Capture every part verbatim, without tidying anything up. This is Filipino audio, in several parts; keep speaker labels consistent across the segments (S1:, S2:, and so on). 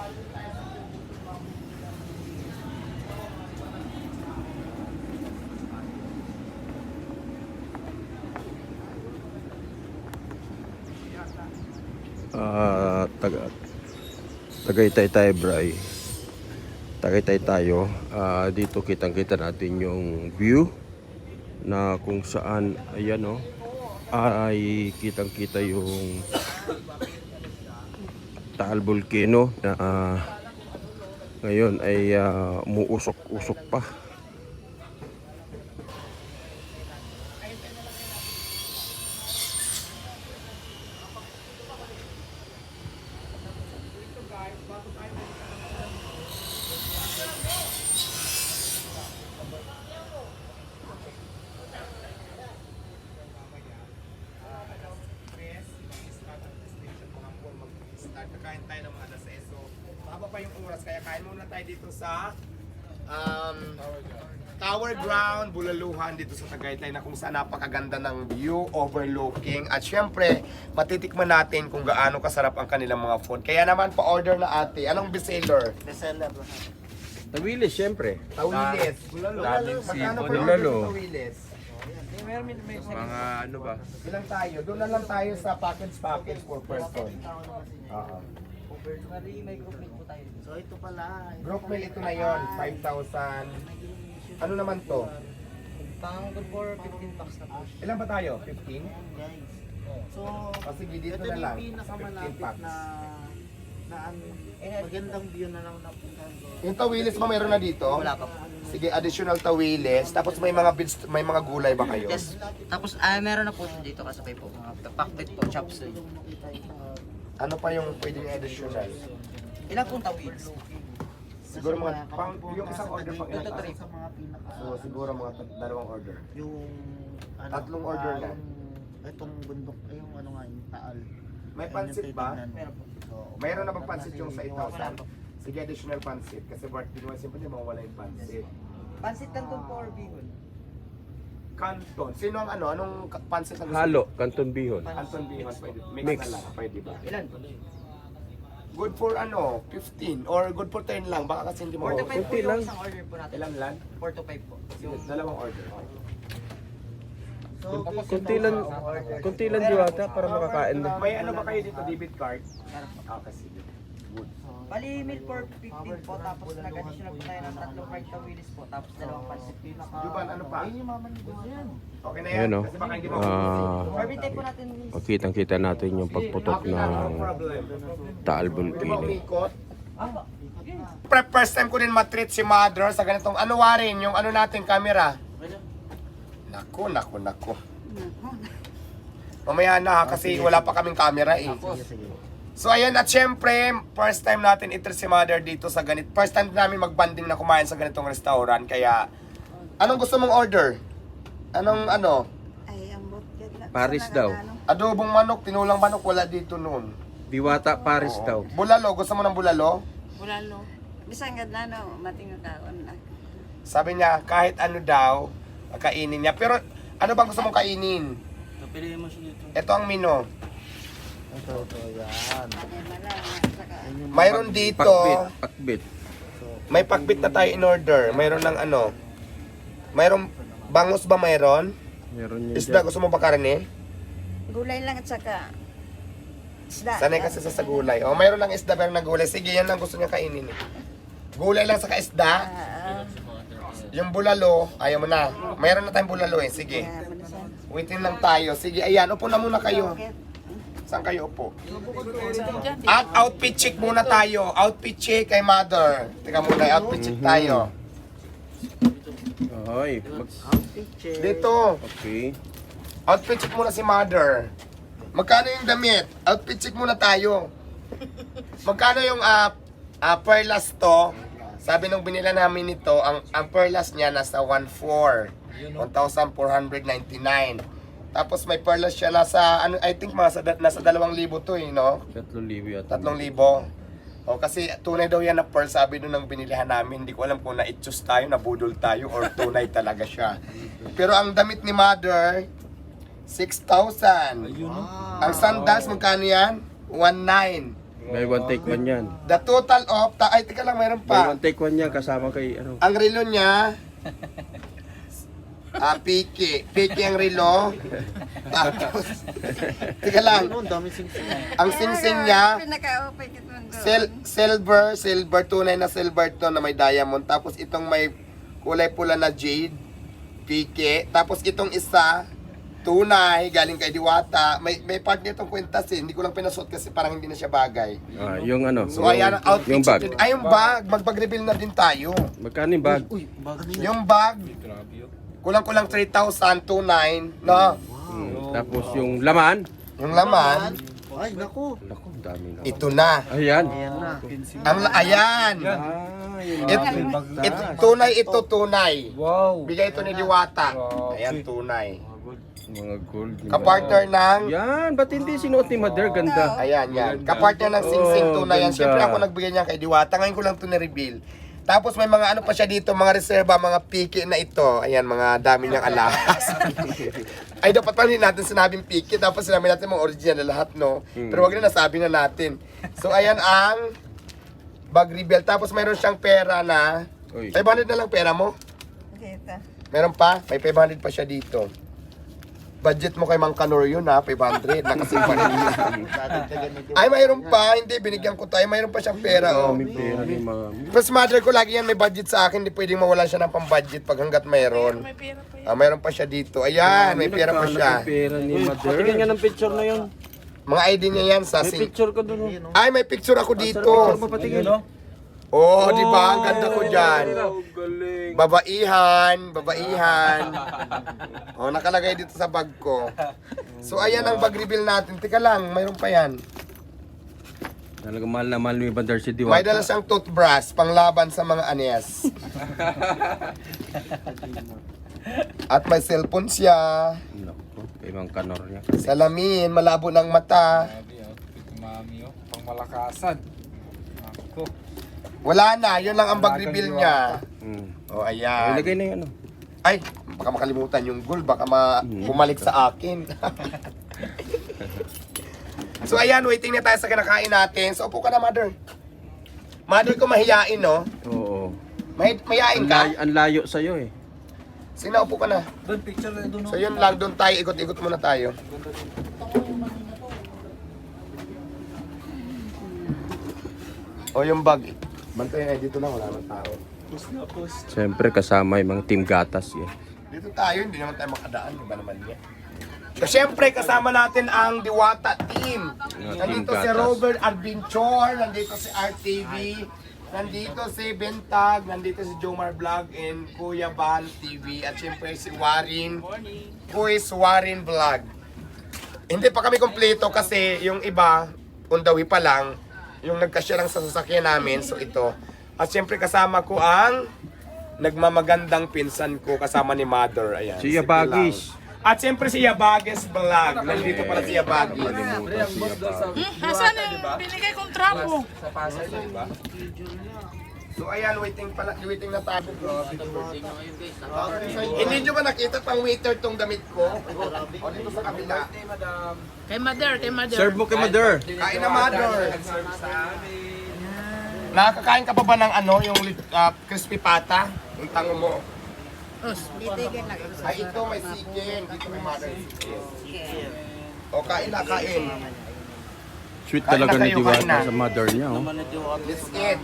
S1: uh, taga Tagaytay tayo, Bray. Tagaytay tayo. Uh, dito kitang kita natin yung view na kung saan, ayan o, ay kitang kita yung Taal Volcano na uh, ngayon ay uh, umuusok-usok pa.
S2: Kakain tayo ng mga alas seis. So, mahaba pa yung oras. Kaya kain muna tayo dito sa um, Tower Ground, Bulaluhan, dito sa Tagaytay, na kung saan napakaganda ng view, overlooking. At syempre, matitikman natin kung gaano kasarap ang kanilang mga food. Kaya naman, pa-order na ate. Anong bestseller?
S3: Bestseller.
S1: Tawilis, syempre.
S2: Tawilis.
S3: Bulalo.
S2: Magkano per
S1: Bulalo.
S2: order sa Tawilis?
S3: Meron may may
S1: Mga ano ba?
S2: Ilang tayo? Doon na lang tayo sa package-package per person. Oo.
S3: Bali, may group meal po tayo. So ito pala.
S2: Group meal ito na yon, five thousand. Ano naman to?
S3: Pang good for fifteen bucks na po.
S2: Ilan ba tayo? fifteen?
S3: Guys. So,
S2: O sige, dito
S3: ito
S2: na
S3: na
S2: lang.
S3: yung
S2: fifteen
S3: pinakamalapit
S2: packs.
S3: na na ang magandang view na lang napuntahan ko.
S2: Yung tawilis ba mayroon na dito?
S3: Wala pa po.
S2: Sige, additional tawilis. Tapos may mga bits, may mga gulay ba kayo?
S4: Yes. Tapos ah meron na po dito kasabay po mga pakbet po, chops.
S2: Ano pa yung pwedeng additional?
S4: Ilan pong tawid?
S2: Siguro mga, pang, yung isang order pang ilang
S4: Two to three.
S3: Sa mga pinaka
S2: So siguro mga tat- dalawang order.
S3: yung ano,
S2: Tatlong order
S3: ah,
S2: na.
S3: yung- Itong bundok, ay yung ano nga, yung taal.
S2: May
S3: Ayun
S2: pansit
S3: yung
S2: ba?
S3: titignan mo.
S4: Meron po.
S3: So,
S2: Mayroon na bang pansit yung sa
S3: Yung-
S2: eight thousand? Sige, additional pansit. Kasi birthday naman, siyempre di mawala yung pansit.
S4: Pansit Canton po or bihon?
S2: Canton. Sino ang ano? Anong ka- pansit ang gusto?
S1: Halo, Canton Bihon.
S2: Canton Bihon. Pwede. Mix,
S1: Mix.
S2: na lang. Pwede ba?
S4: Ilan?
S2: Good for ano? fifteen or good for ten lang. Baka kasi hindi mo.
S4: four to five po
S1: konti
S4: yung
S1: lang.
S4: isang order po natin.
S2: Ilan lang?
S4: four to five po.
S2: Sige, dalawang order.
S3: So,
S1: Kunti lang, kunti lang diwata para makakain na.
S2: May ano ba kayo dito? Debit card? Ah, kasi. Good.
S4: Bali, meal for fifteen po, tapos nag-additional po tayo ng tatlong fried tawilis po, tapos dalawang pansit.
S2: Juban, ano pa?
S3: Ayun yung mamanigas yan.
S2: Okay na yan.
S1: Ayan o.
S2: Kasi baka hindi mo.
S1: Ah,
S4: Barbitay po natin is
S1: Makitang-kita natin yung pagputok
S2: Okay na, no
S1: ng
S2: problem.
S1: Taal
S2: Hindi mo
S1: Volcano.
S2: umikot. Pre- First time ko din matreat si mother sa ganitong ano warin, yung ano natin camera. Naku, naku, naku. Mamaya na ha, kasi wala pa kaming camera eh. So ayan, at syempre, first time natin itreat si mother dito sa ganit. First time namin magbanding na kumain sa ganitong restaurant. Kaya, anong gusto mong order? Anong ano?
S5: Ay, ambot yan na.
S1: Paris
S5: Sana
S1: daw.
S5: ano.
S2: Adobong manok, tinulang manok, wala dito noon.
S1: Diwata Paris
S2: Oo.
S1: daw.
S2: Bulalo, gusto mo ng bulalo?
S5: Bulalo. Bisang gad na no, mating kaon na.
S2: Sabi niya, kahit ano daw, kainin niya. Pero, ano bang gusto mong kainin?
S4: Piliin mo siya dito.
S2: Ito ang menu.
S3: Ito, ito, yan.
S5: Ay, mala, saka.
S2: Mayroon dito,
S1: Pakbit, pakbit.
S2: may pakbit na tayo in order. Mayroon ng ano. Mayroon, bangus ba mayroon?
S1: Meron yun
S2: Isda,
S1: dyan.
S2: gusto mo ba karne?
S5: Gulay lang at saka. Isda.
S2: Sanay kasi sa, sa gulay. O, mayroon ng isda, pero ng gulay. Sige, yan lang gusto niya kainin. eh. Gulay lang sa isda.
S5: Ah, ah.
S2: Yung bulalo, ayaw mo na. Mayroon na tayong bulalo eh. Sige.
S5: Kaya, manisan.
S2: Waitin lang tayo. Sige, ayan. Upo na muna kayo.
S5: Okay.
S2: Saan kayo upo? At outfit check muna tayo. Outfit check kay mother. Teka muna, outfit check tayo.
S1: Ay, mag...
S3: Picture.
S2: Dito.
S1: Okay.
S2: Outfit check muna si mother. Magkano yung damit? Outfit check muna tayo. Magkano yung uh, uh, perlas to? Sabi nung binila namin nito, ang, ang perlas niya nasa one four. one thousand four hundred ninety-nine. Tapos may perlas siya nasa, ano, I think mga sa, nasa dalawang libo to eh, no?
S1: Tatlong libo yata.
S2: Tatlong libo. O kasi tunay daw yan na pearl, sabi nung nang binilihan namin. Hindi ko alam kung na-itchus tayo, nabudol tayo, or tunay talaga siya. Pero ang damit ni mother, six thousand. Ang sandals, magkano yan? one nine.
S1: May one take one yan.
S2: The total of, ta ay, tika lang, mayroon
S1: May
S2: pa.
S1: one take one yan kasama kay ano.
S2: Ang relo niya, ah, piki. Piki ang relo. Tapos, tika lang,
S3: Ano, ang dami sing-sing.
S2: ang singsing niya,
S5: Pinaka-open kita doon.
S2: sil silver, silver, tunay na silver to na may diamond. Tapos itong may kulay pula na jade, piki. Tapos itong isa, tunay, galing kay Diwata. May may part nitong kwintas eh. Hindi ko lang pinasuot kasi parang hindi na siya bagay.
S1: Ah, yung ano.
S2: So
S1: yung,
S2: ayan ang outfit.
S1: Yung bag.
S2: Ay, yung bag. Magpag-reveal na din tayo.
S1: Magkano yung bag?
S3: Uy, bago niya.
S2: Yung bag, kulang-kulang three thousand, two nine, no?
S1: Hmm. Tapos yung laman.
S2: Yung laman,
S3: Ay, naku.
S1: Naku, ang dami na.
S2: ito na.
S1: Ayan.
S3: Ayan na.
S2: Ang, la- ayan.
S1: Ah, yung
S2: It,
S1: mga
S2: it,
S1: pintas.
S2: tunay ito, tunay.
S6: Wow.
S2: Bigay ito ni Diwata. Ayan, tunay.
S1: Mga gold. yung
S2: Kapartner ng,
S1: Yan, ba't hindi sinuot ni Mother? Ganda.
S2: ayan, yan. Kapartner ng Sing Sing
S1: Oh,
S2: tunay. Yan.
S1: ganda.
S2: Siyempre ako nagbigay niya kay Diwata. Ngayon ko lang ito na-reveal. Tapos may mga ano pa siya dito, mga reserva, mga piki na ito. Ayan, mga dami niyang alahas. Ay, dapat pa rin natin sinabing piki. Tapos sinabi natin mga original na lahat, no? Pero wag na nasabi na natin. So, ayan ang bag reveal. Tapos mayroon siyang pera na,
S1: Uy.
S2: five hundred na lang pera mo.
S5: Kita.
S2: Meron pa? May five hundred pa siya dito. Budget mo kay Mang Kanor yun ha, five hundred. Nakasimpan niya. Ay, mayroon pa. Hindi, binigyan ko tayo. Mayroon pa siyang pera, oh.
S1: May pera ni Mami.
S2: Plus mother ko lagi yan may budget sa akin, hindi pwedeng mawalan siya ng pang-budget pag hanggat mayroon. Ah, mayroon pa siya dito. Ayan, may pera pa siya.
S1: May pera ni Mother.
S6: Patingin nga ng picture na yun.
S2: Mga I D niya yan sa
S6: May
S2: sing.
S6: picture ko dun. oh.
S2: Ay, may picture ako dito.
S6: Patingin.
S2: Oh, di ba? Ang ganda ko dyan.
S1: Oh, galing.
S2: Babaihan, babaihan. Oh, nakalagay dito sa bag ko. So, ayan ang bag reveal natin. Tika lang, mayroon pa yan.
S1: Talaga mahal na mahal ni Mother si
S2: May
S1: Diwata.
S2: dala siyang toothbrush, panglaban sa mga anyes. At may cellphone siya.
S1: Naku, kay Mang Kanor niya.
S2: Salamin, malabo ng mata.
S6: Mami, oh. Pang malakasan. Ako.
S2: Wala na, yun lang ang bag reveal niya.
S1: Hmm.
S2: Oh,
S1: Ay,
S2: ayan.
S1: lagay na yung ano.
S2: Ay, baka makalimutan yung gold, baka ma bumalik sa akin. So ayan, waiting na tayo sa kinakain natin. So upo ka na, mother. Mother ko mahiyain, no?
S1: Oo.
S2: May mahiyain
S1: Ang
S2: ka?
S1: layo, ang layo sa'yo eh.
S2: Sige na, upo ka na.
S6: Doon, picture na doon.
S2: So yun lang, doon tayo, ikot-ikot muna tayo. O yung bag. Bantayan ay dito lang, wala nang tao.
S1: Siyempre kasama yung mga team gatas eh.
S2: Dito tayo, hindi naman tayo makadaan, di ba naman niya? So, syempre, kasama natin ang Diwata team. Nandito si
S1: Gatas.
S2: Robert Adventure, nandito si R T V, nandito si Bentag, nandito si Jomar Vlog, and Kuya Bal T V, at syempre si Warin, Kuis Warin Vlog. Hindi pa kami kompleto kasi yung iba, on the way pa lang, yung nagkasya lang sa sasakyan namin, so ito. At syempre kasama ko ang nagmamagandang pinsan ko kasama ni Mother. Ayan.
S1: Si Yabagis.
S2: Pilar. At siyempre si Yabagis Vlog. Nandito pala si Yabagis.
S1: Kalimutan si Yabagis.
S7: Nasaan yung binigay kong trapo?
S2: So ayan, waiting pala, waiting na tayo. Hindi nyo ba nakita pang waiter tong damit ko? O dito sa kabila.
S7: Kay mother, kay mother.
S1: Serve mo kay Mother.
S2: Kain na, Mother. Nakakain ka pa ba ng ano, yung uh, crispy pata? Yung tango mo.
S5: Dito yung nag
S2: Ay, ito may chicken. Dito may Mother chicken. O, kain na, kain.
S1: Sweet
S2: Kain
S1: talaga
S2: na
S1: ni
S2: kayo, kain
S1: Diwata
S2: na.
S1: sa Mother niya. Oh.
S2: Let's eat.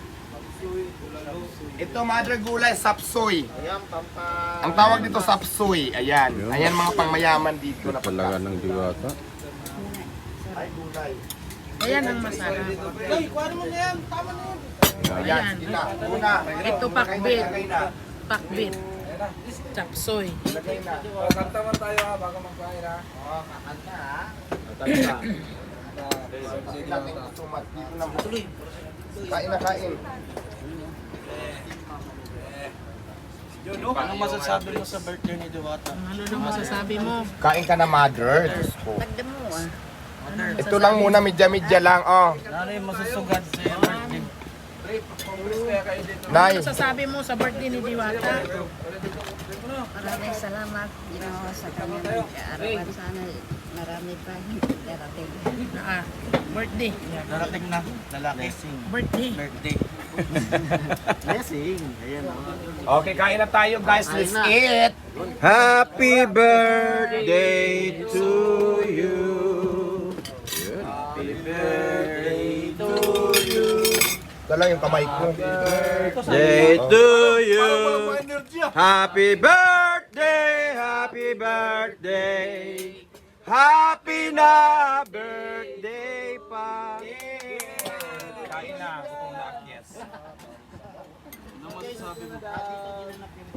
S2: Ito, Mother Gulay, sapsoy. Ang tawag dito, sapsoy. Ayan. Ayan mga pangmayaman dito.
S1: Sweet
S2: na
S1: talaga ng Diwata.
S2: Ay, gulay.
S7: Ayan ang masarap.
S2: Ayan, sige na. Una.
S7: Ito pakbit.
S2: Lagay na.
S7: Pakbit. Chapsoy.
S2: Lagay na.
S6: Kanta man tayo ha, bago magkain ha.
S2: Sige natin sumat. Dito na. Kain na, kain.
S3: Anong masasabi mo sa birthday ni Diwata?
S7: Ano nang masasabi mo?
S2: Kain ka na, Mother. Diyos ko.
S5: Tagda mo ah.
S2: Ito lang muna, medya-medya lang. Oh.
S3: Ano yung masusugad sa iyo birthday?
S2: Nay.
S7: Ano masasabi mo sa birthday ni Diwata?
S5: Maraming salamat, Ginoo, sa kanyang pag-aarawan. Sana Marami pa hindi darating.
S7: Ah, birthday.
S3: Darating na. Lalaki.
S7: Birthday.
S3: Birthday. Blessing. Ayan o.
S2: Okay, kain na tayo guys. Let's
S3: Kain na.
S2: eat.
S1: Happy birthday to you. Happy birthday to you.
S2: Dala yung kamay ko.
S1: Day to you. Happy birthday, happy birthday. Happy na birthday pa.
S6: Kain na, gutom na, yes.
S3: Ano masasabi mo?